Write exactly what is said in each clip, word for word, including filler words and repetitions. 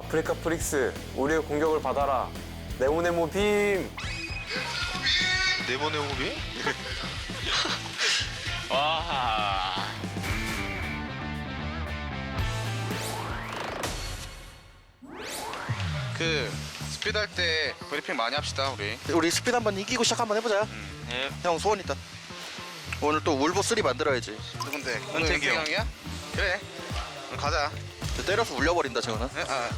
아프리카 프릭스, 우리의 공격을 받아라. 네모네모 빔. 네모네모 빔? 와. 그 스피드 할 때 브리핑 많이 합시다 우리. 우리 스피드 한번 이기고 시작 한번 해보자. 예. 형 소원 있다. 오늘 또 울보 쓰리 만들어야지. 누군데? 은택이 형. 형이야? 그래. 그럼 가자. 때려서 울려버린다 저거는. 네? 아.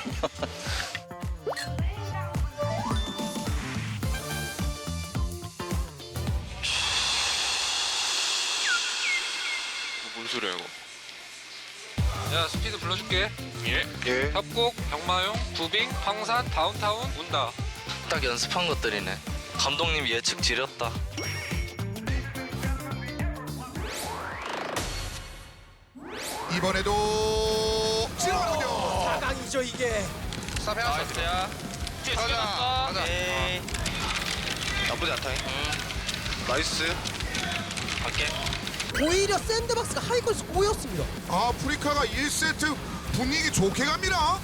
뭔 소리야 이거? 야 스피드 불러줄게. 예. 예. 협곡, 병마용, 구빙, 황산, 다운타운, 운다. 딱 연습한 것들이네. 감독님 예측 지렸다. 이번에도 찔러군요. 사강이죠 이게. 스탑 해놨어. 나이스야. 뒤에 가자. 죽였어. 가자. 에이. 나쁘지 않다. 나이스. 갈게. 오히려 샌드박스가 하이걸스 꼬였습니다. 아프리카가 일 세트 분위기 좋게 갑니다.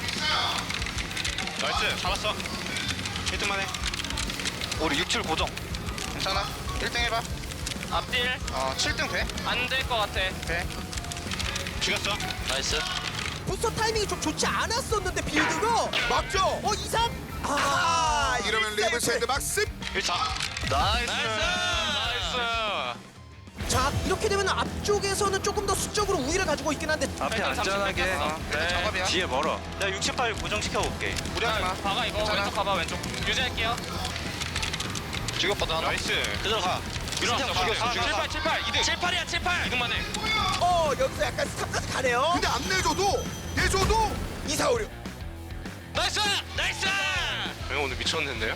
나이스. 잡았어. 일 등만 해. 우리 육, 칠 고정. 괜찮아. 일 등 해봐. 앞딜. 어, 칠 등 돼? 안 될 것 같아. 돼. 죽였어. 나이스. 부스터 타이밍이 좀 좋지 않았었는데 빌드가 막죠. 어 이삼 아 이러면 리브 샌드박스. 일 차. 나이스. 나이스. 자 이렇게 되면 앞쪽에서는 조금 더 수적으로 우위를 가지고 있긴 한데 앞에 안전하게. 어, 네. 작업이야. 뒤에 멀어. 내가 육십 팔 고정시켜 볼게. 무리하지 마. 박아 이거. 괜찮아. 왼쪽 가봐 왼쪽. 유지할게요. 죽였거든 하나. 나이스. 그대로 가. 밀어놨어. 죽였어. 죽였어. 칠팔 칠팔 이등. 칠팔이야 칠팔. 이등만 해. 어 여기서 약간 스탑까지 가네요. 근데 안 내줘도 내줘도 이사오류 나이스. 나이스. 형 오늘 미쳤는데요?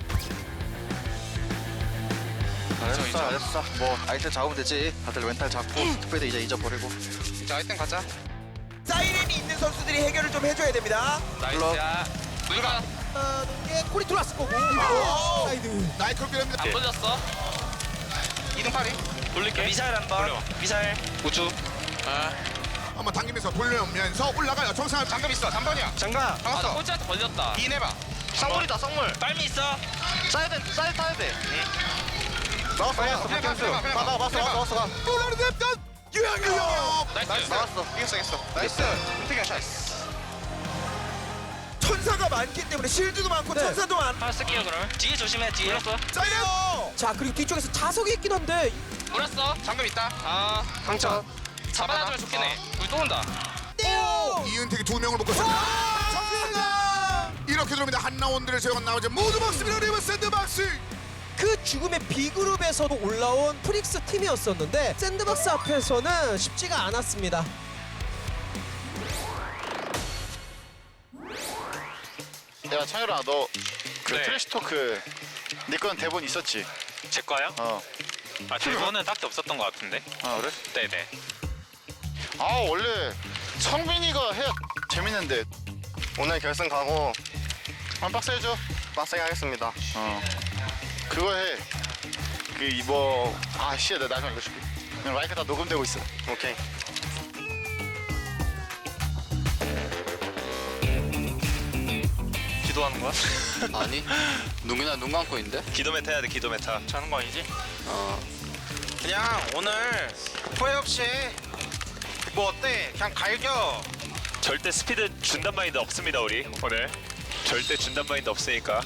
잘했어 인정. 잘했어. 뭐 아이템 잡으면 되지. 다들 멘탈 잡고 스피드 이제 잊어버리고. 이제 아이템 가자. 사이렌이 있는 선수들이 해결을 좀 해줘야 됩니다. 나이스야. 누가 아, 이게 콜이 들어왔을 거고 어, 사이드 나이클길입니다. 안 돌렸어? 이 등 팔이. 돌릴게. 미사일 한 번. 미사일. 우주. 아. 한번 당기면서 돌려면서 올라가요. 정상. 잠금 있어. 삼 번이야. 장가. 잡았어. 아, 꼴찌한테 걸렸다. 이 해봐. 쌍물이다 쌍물. 빨미 있어. 쏴야 돼. 쏴야 타야 돼. 나왔어 나왔어. 그래, 박경수. 그래, 그래, 그래. 나가 왔어 왔어 왔어 가. 올라오는 듯 유영유. 나이스. 나왔어. 이겼어 이겼어. 나이스. 은택이 샷. 천사가 많기 때문에 실드도 많고 천사도 많. 하나 쓸게요 그럼. 뒤에 조심해 뒤에. 물었어. 사이렌. 자 그리고 뒤쪽에서 자석이 있긴 한데 물었어. 잠금 있다. 아. 강차. 잡아놔주면 좋겠네. 우리 또 온다. 떼요. 이은택이 두 명을 묶었습니다. 정승아. 이렇게 들어옵니다. 한 라운드를 제건 나오지 모두 먹습니다. 리브 샌드박스. 그 죽음의 B그룹에서도 올라온 프릭스 팀이었었는데 샌드박스 앞에서는 쉽지가 않았습니다. 야 창열아 너 그 네. 트래시 토크 네 거는 대본 있었지? 제 거요? 어. 아 대본은 딱히 없었던 것 같은데. 아 그래? 네네. 아 원래 성빈이가 해야 재밌는데 오늘 결승 가고 한 박스 해줘. 빡세게 하겠습니다. 어. 그거 해. 그 이거 아 씨야 나 나중에 알려줄게. 그냥 마이크 다 녹음되고 있어. 오케이. 기도하는 거야? 아니 눈이나 눈 감고 있는데? 기도 메타 해야 돼 기도 메타. 자는 거 아니지? 어 그냥 오늘 후회 없이 뭐 어때? 그냥 갈겨. 절대 스피드 준단 마인드 없습니다 우리 오늘 절대 준단 마인드 없으니까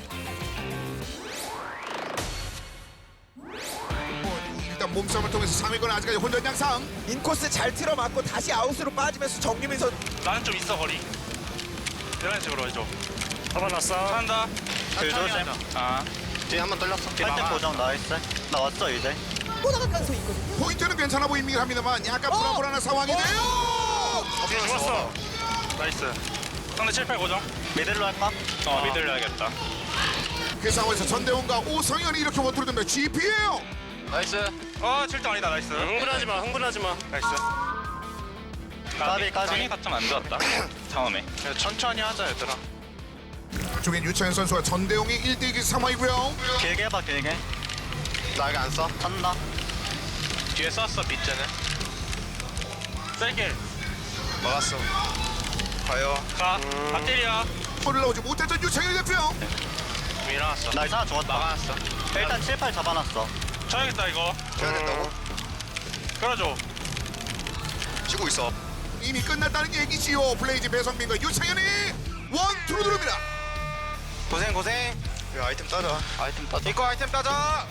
일단 몸싸움을 통해서 상위권 아직까지 혼전 양상. 인코스 잘 틀어맞고 다시 아웃으로 빠지면서 정유민 선 나는 좀 있어 거리. 이런 식으로 해줘. 잡아놨어 한다. 천천히 하자. 아. 뒤에 한 번 돌렸어. 팔등 고정 나이스. 나 왔어 이제. 또 나갈 가능성이 있거든요. 포인트는 괜찮아 보이긴 합니다만 약간 불안불안한 상황인데요. 좋았어. 나이스. 상대 칠팔 고정. 미들로 할까? 어 미들로 해야겠다. 그 상황에서 전대원과 오성현이 이렇게 원투를 듭니다. 지피예요. 나이스. 어 칠 등 아니다 나이스. 흥분하지 마 흥분하지 마 나이스. 까비, 까비. 상의가 좀 안 좋았다. 처음에. 천천히 하자 얘들아. 쪽엔 유찬현 선수와 전대용이 일 대 이 상황이고요. 길게 해봐 길게. 나 이거 안 써. 한다. 뒤에 쐈어 밑에는. 세게. 막았어. 가요. 가 앞들이야. 올라오지 못했던 유창현 대표. 일어났어. 나 이상 좋았다. 막아놨어. 일단 칠, 팔 잡아놨어. 쳐야겠다 이거. 쳐야 된다고? 끌어줘. 치고 있어. 이미 끝났다는 얘기지요. 블레이즈 배성민과 유창현이 원투로 들어옵니다. 고생 고생. 야 아이템 따자. 아이템 따 이거 아이템 따자.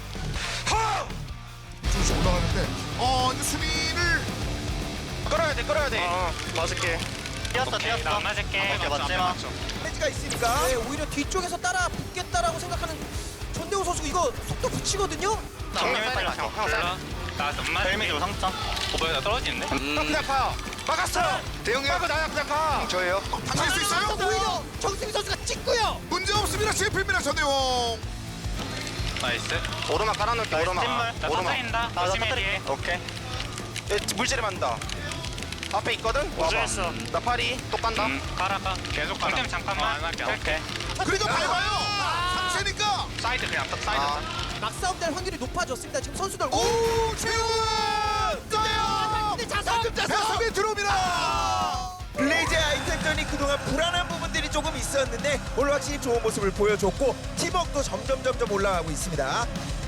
조금씩 올라가는데 어 이제 수민을 끌어야 돼 끌어야 돼. 어 맞을게. 뛰었어, 뛰었어. 나 맞을게. 오케이, 맞지 마. 페이지가 있으니까 네, 오히려 뒤쪽에서 따라 붙겠다라고 생각하는 전대웅 선수 이거 속도 붙이거든요. 정리할 빨리 맞춰. 몰라. 나안 맞을게. 헬멧으로 상점. 오버에 나 떨어지는데? 그냥 파. 막았어. 대용이 형. 나야 그냥 가. 저예요. 당할 수 있어요? 오히려 정승희 선수가 찍고요. 문제 없습니다. 제프입니다. 전대웅. 나이스. 오르막 깔아놓을게. 오르막. 나 오르막. 터트린다. 나 열심히 해. 터뜨릴게. 오케이. 얘 물질에 만다. 앞에 있거든. 우주했어. 나 파리 또 깐다. 가라 가. 계속 가라. 좀 잠깐만. 안 할게. 오케이. 그래도 밟아요. 삼세니까. 사이드 그냥 딱 사이드. 아. 막싸움 될 확률이 높아졌습니다. 지금 선수들 오 최훈 떠요. 자석 배성민 들어옵니다. 블레이즈 아이템전이 그동안 불안한 부분들이 조금 있었는데 오늘 확실히 좋은 모습을 보여줬고 팀워크도 점점 점점 올라가고 있습니다.